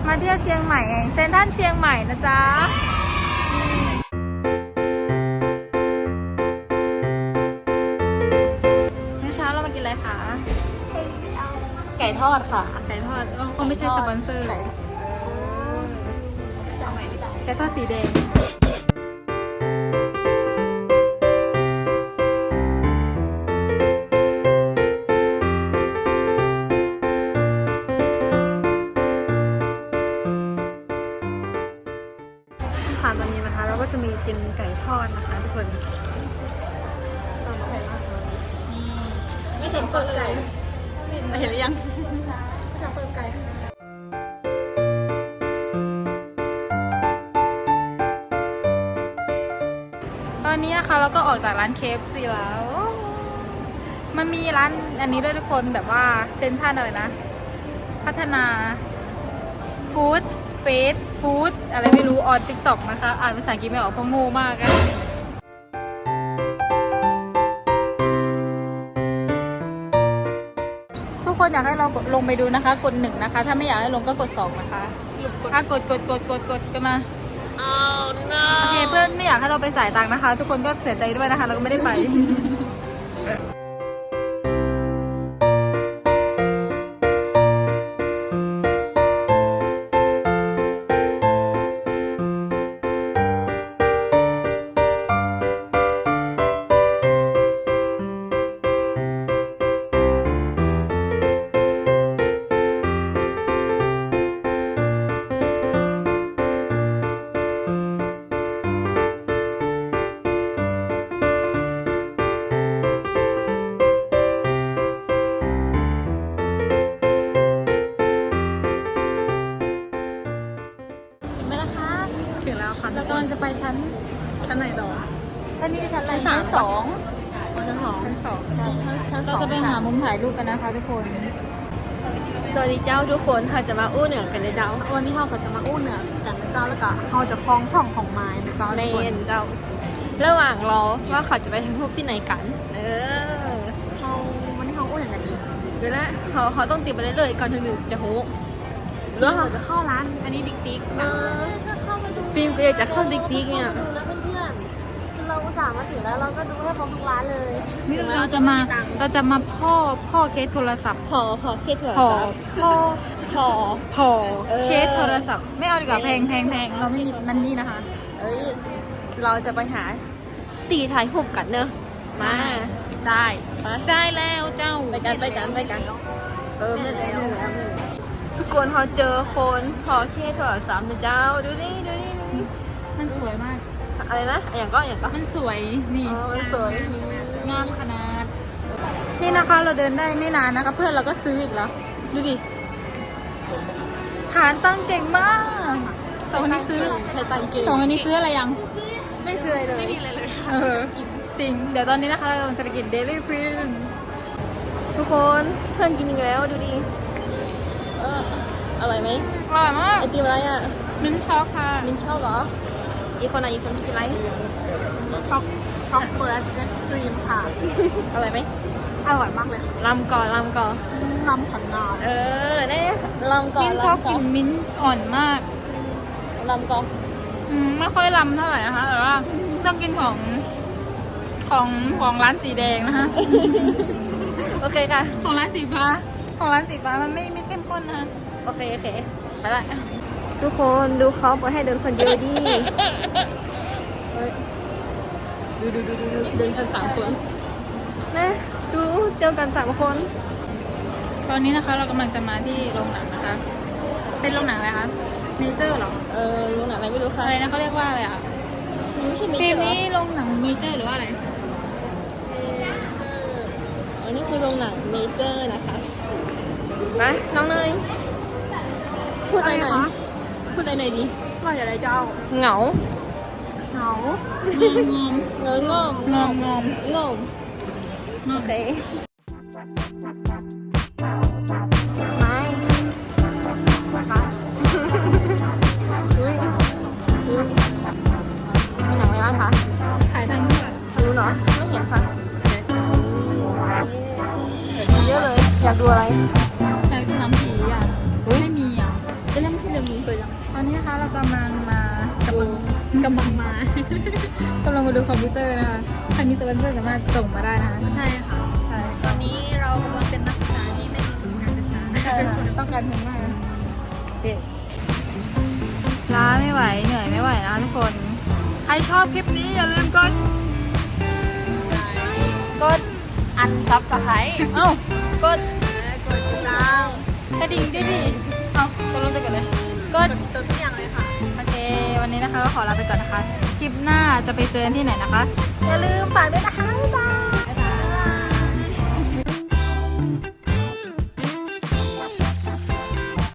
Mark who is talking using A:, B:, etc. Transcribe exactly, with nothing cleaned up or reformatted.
A: มาเที่ยวเชียงใหม่เซ็นทรัลเชียงใหม่นะจ๊ะเมื่อเช้าเรามากินอะไรคะ
B: ไก่ทอดค่ะ
A: ไก่ทอดคงไม่ใช่สปอนเซอร์ไก่ทอดสีแดง
B: ค่ะตอนนี้นะคะเราก็จะมีกินไก่ทอดนะคะทุกคนไม่เห็นเปิดไก่เห็นหรือยังจะเปิดไก่
A: ตอนนี้นะคะเราก็ออกจากร้าน เค เอฟ ซี แล้วมันมีร้านอันนี้ด้วยทุกคนแบบว่าเซ็นทรัลอะไรนะพัฒนาฟู้ดเฟสฟู้ดอะไรไม่รู้ออนติ๊กต็อกนะคะอ่านภาษาอังกฤษไม่ออกเพราะโง่มากอะทุกคนอยากให้เราลงไปดูนะคะกดหนึ่งนะคะถ้าไม่อยากให้ลงก็กดสองนะคะถ้ากดกดกดกดกดกันมา oh, no. โอเคเพื่อนไม่อยากให้เราไปสายตังค์นะคะทุกคนก็เสียใจด้วยนะคะเราก็ไม่ได้ไป
B: ถึงแล้วค่ะ
A: เรากำลังจะไปชั้น
B: ชั้นไหนต่อ
A: ชั้นนี้ชั้นอะไรชั้นสอง
B: ชั้นสองชั้นสอง
A: ใช่ชั้นชั้นเราจะไปหามุมถ่ายรูปกันนะคะทุกคน
C: สวัสดีเจ้าทุกคนค่ะจะมาอู้เหนือกันเลยเจ้า
B: วันนี้เราก็จะมาอู้เหนือกันนะเจ้าแล้วก็เราจะคล้องช่องของไม้นะเจ้า
C: เม
B: ทุกคน
C: นเจ้าระหว่างรอว่าเขาจะไปทำรูปที่ไหนกันเออ
B: เขาวันนี้เขาอู้อย่างกันดี
C: เดี๋ยวนะเขาเขาต้องติดไปเรื่อยๆก่อนถึงจะโห
B: เรื่องเราจะเข้าร้านอันนี้ติ๊กติ๊ก
C: เอ
B: นะ
C: อฟิล์มก็อยากจะเข้าดิ๊กดิ๊กเนี่ย
D: ดูนะเพื่อนๆคือเราอุตส่าห์มาถึงแล้วเราก็ดูให้ครบทุกร้านเลย
A: นี่เราจะมาเราจะมาพ่อพ่อเคสโทรศัพท์
C: พอพอเคสเถอะ
A: พอพ่อ
C: พอ
A: พอเคสโทรศัพท์ไม่เอาดีกว่าแพงแพงแพงเราไม่มีมันนี่นะคะ
C: เอ้ยเราจะไปหาตีถ่ายรูปกันเนอะมาจ่ายไป
A: จ่ายแล้วเจ้า
C: ไปกันไปกันไปกันเออไม่แล้วทุกคนเขาเจอคนพอเคสโทรศัพท์นะเจ้าดูนี่ดูนี่ดูนี่
A: มันสวยมาก
C: อะไรนะอย่างก็อย่างก็
A: มันสวยนี่
C: อ๋อมันสวยนี่
A: งามขนาดนี่นะคะเราเดินได้ไม่นานนะคะ เพื่อนเราก็ซื้ออีกแล้วดูดิฐานตั้งเก่งมากสองคนนี้ซื้อ
C: ใช้ตังเกง
A: สองอันนี้ซื้ออะไรยัง
C: ไม่ซื้ออะไรเลย
A: เออจริงเดี๋ยวตอนนี้นะคะเราจะไปกินเดลี่พริน
C: ทุกคนเพื่อนกินอีกแล้วดูดิเอออร่อยไหม
A: อร่อยมาก
C: ไอติมอะไรอ่ะ
A: มิ้นท์ช็อกค่ะ
C: มินชอบเหรออีกคนไหนอีกคนกินอะไร
B: ช็อกช็อกเปิดเอ็กซ์ตรีมค่ะ
C: อร่อยไหม
B: อร่อยมากเลยค่ะ
C: ลำก่อนลำก่อน
B: น้ำขันนอน
C: เออนี่ลำก่อน
A: มิ้นท์ช็อกกลิ่นมิ้นท์อ่อนมาก
C: ลำก่อน
A: อืมไม่ค่อยลำเท่าไหร่นะคะแต่ว่าต้องกินของของของร้านสีแดงนะคะ
C: โอเคค่ะ
A: ของร้านสีฟ้าของร้านสีฟ้ามันไม่ไม่เข้มข้นนะคะ
C: โอเคโอเคไปละทุกคนดูเขาปล่อยให้เดินคนเดียวดิเฮ้ยดูดูดูดูดูเดินกันสามคนนะดูเดินกันสามคน
A: ตอนนี้นะคะเรากำลังจะมาที่โรงหนังนะคะ เป็นโรงหนังอะไรคะเนเจอร์หรอ
C: เออรู้หนังอะไรไม่รู้ค่ะ
A: อะไรนะเขาเรียกว่าอะไรอ่ะ
C: ไม่ใช่มี
A: ฟิล์ม
C: เหรอ
A: นี้โรงหนังเมเจอร์หรือว่าอะไร
C: เมเจอร์อันนี้คือโรงหนังเมเจอร์นะคะไปน้องเนยพูดอะไรหน่อยพูดอะไรหน่อยดิ
B: ว่าอย่างไรเจ้า
C: เหงา
B: เหงาง
A: อม
C: เงางอม
A: งอมงอม
C: งอมโอเคไม่นะคะอุ้ยอุ้ยมีหนังอะไรบ้างคะ
A: ถ่ายทางนี้ก่อน
C: รู้เนาะไม่เห็นค่ะนี่เยอะเลยอยากดูอะไร
A: ถ่ายคือน้ำผีอ่ะไม่มีอ่ะ
C: จะเล่นไม่ใช่เรื่องนี้
A: ตอนนี้นะคะเรากำลังมากำลัง
B: กำลังมา
A: กำลังมาดูคอมพิวเตอร์นะคะใครมีสปอนเซอร์สามารถส่งมาได้นะคะ
B: ใช่ค่ะ
A: ใช่
B: ตอนนี้เรากำลังเป็นนักศึกษาที่ไม่มีทุนการศึกษา
A: ใช่ค่ะต้องการเงินมากเด็กล้าไม่ไหวเหนื่อยไม่ไหวนะทุกคน ใครชอบคลิปนี้อย่าลืมกด กด
C: อันซับสไครต์
A: เอ้ากด
B: กดติดตาม
A: กระดิ่งด้วยดิเอ้าตัวรู้จะกันเลย กด
B: ตัวทุกอย่างเลยค่ะ
A: โอเค วันนี้นะคะก็ขอลาไปก่อนนะคะ คลิปหน้าจะไปเจอกันที่ไหนนะคะ อย่าลืมฝากด้วยนะคะ บ๊ายบาย